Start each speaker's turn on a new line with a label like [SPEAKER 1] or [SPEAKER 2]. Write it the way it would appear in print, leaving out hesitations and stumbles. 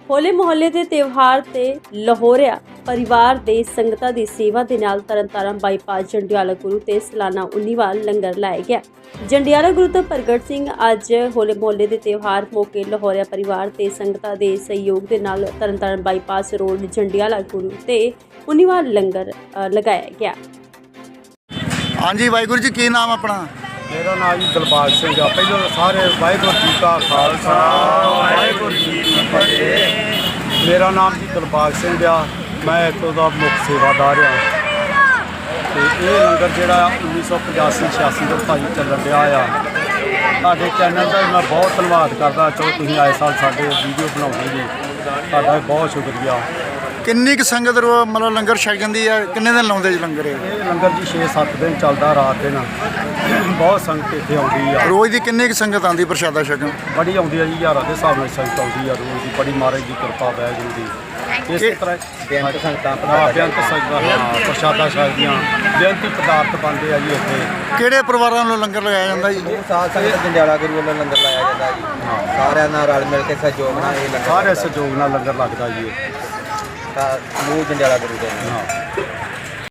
[SPEAKER 1] ਹੋਲੇ ਮੁਹੱਲੇ ਦੇ ਤਿਉਹਾਰ ਤੇ ਲਾਹੌਰਿਆ ਪਰਿਵਾਰ ਦੇ ਸੰਗਤਾਂ ਦੀ ਸੇਵਾ ਦੇ ਨਾਲ ਤਰਨਤਾਰਨ ਬਾਈਪਾਸ ਜੰਡਿਆਲਾ ਗੁਰੂ ਤੇ ਸਾਲਾਨਾ 19ਵਾਂ ਲੰਗਰ ਲਾਇਆ ਗਿਆ। ਜੰਡਿਆਲਾ ਗੁਰੂ ਤੋਂ ਪ੍ਰਗਟ ਸਿੰਘ ਅੱਜ ਹੋਲੇ ਮੁਹੱਲੇ ਦੇ ਤਿਉਹਾਰ ਮੌਕੇ ਲਾਹੌਰਿਆ ਪਰਿਵਾਰ ਤੇ ਸੰਗਤਾਂ ਦੇ ਸਹਿਯੋਗ ਦੇ ਨਾਲ ਤਰਨਤਾਰਨ ਬਾਈਪਾਸ ਰੋਡ ਜੰਡਿਆਲਾ ਗੁਰੂ ਤੇ 19ਵਾਂ ਲੰਗਰ ਲਗਾਇਆ ਗਿਆ।
[SPEAKER 2] ਹਾਂਜੀ ਵਾਹਿਗੁਰੂ ਜੀ, ਕੀ ਨਾਮ ਆਪਣਾ?
[SPEAKER 3] मेरा नाम जी दिलबाग सिंह आ। पहले सारे वाहिगुरू जी का खालसा वाहिगुरू जी की फतेह। मेरा नाम जी दिलबाग सिंह आ। मैं इतों का मुख्य सेवादार हाँ। तो ये लंगर जोड़ा 1985-86 का भाई चलन रहा आ। साढ़े चैनल का मैं बहुत धन्यवाद करता। चलो तुम आए साल साढ़े वीडियो बनाओगे जी, ਤੁਹਾਡਾ बहुत शुक्रिया।
[SPEAKER 2] ਕਿੰਨੀ ਕੁ ਸੰਗਤ ਮਤਲਬ ਲੰਗਰ ਛਕ ਜਾਂਦੀ ਹੈ? ਕਿੰਨੇ ਦਿਨ ਲਾਉਂਦੇ ਜੀ ਲੰਗਰ ਇਹ?
[SPEAKER 3] ਇਹ ਲੰਗਰ ਜੀ 6-7 ਦਿਨ ਚੱਲਦਾ, ਰਾਤ ਦਿਨ ਬਹੁਤ ਸੰਗਤ ਇੱਥੇ ਆਉਂਦੀ ਆ।
[SPEAKER 2] ਰੋਜ਼ ਦੀ ਕਿੰਨੀ ਕੁ ਸੰਗਤ ਆਉਂਦੀ ਪ੍ਰਸ਼ਾਦਾ ਛਕਣ?
[SPEAKER 3] ਬੜੀ ਆਉਂਦੀ ਆ ਜੀ, ਹਜ਼ਾਰਾਂ ਦੇ ਹਿਸਾਬ ਨਾਲ ਸੰਗਤ ਆਉਂਦੀ ਆ ਰੋਜ਼ ਦੀ। ਬੜੀ ਮਹਾਰਾਜ ਦੀ ਕਿਰਪਾ ਵਾਹਿਗੁਰੂ ਦੀ। ਇਸੇ ਤਰ੍ਹਾਂ ਬੇਅੰਤ ਸੰਗਤਾਂ ਪ੍ਰਸ਼ਾਦਾ ਛਕਦੀਆਂ, ਬੇਅੰਤੀ ਪਦਾਰਥ ਬਣਦੇ ਆ ਜੀ ਇੱਥੇ।
[SPEAKER 2] ਕਿਹੜੇ ਪਰਿਵਾਰਾਂ ਨੂੰ ਲੰਗਰ ਲਗਾਇਆ ਜਾਂਦਾ ਜੀ?
[SPEAKER 4] ਸਾਧ ਸੰਗਤ ਜੰਡਿਆਲਾ ਗੁਰੂ ਵੱਲੋਂ ਲੰਗਰ ਲਾਇਆ ਜਾਂਦਾ ਜੀ। ਸਾਰਿਆਂ ਨਾਲ ਰਲ ਮਿਲ ਕੇ ਸਹਿਯੋਗ ਨਾਲ ਇਹ ਲੰਗਰ
[SPEAKER 3] ਸਾਰੇ ਸਹਿਯੋਗ ਨਾਲ ਲੰਗਰ ਲੱਗਦਾ ਜੀ।
[SPEAKER 4] ਸਮੂਹ ਜੰਡਿਆਲਾ ਗੁਰੂ ਦੇ ਨਾਲ।
[SPEAKER 3] ਹਾਂ।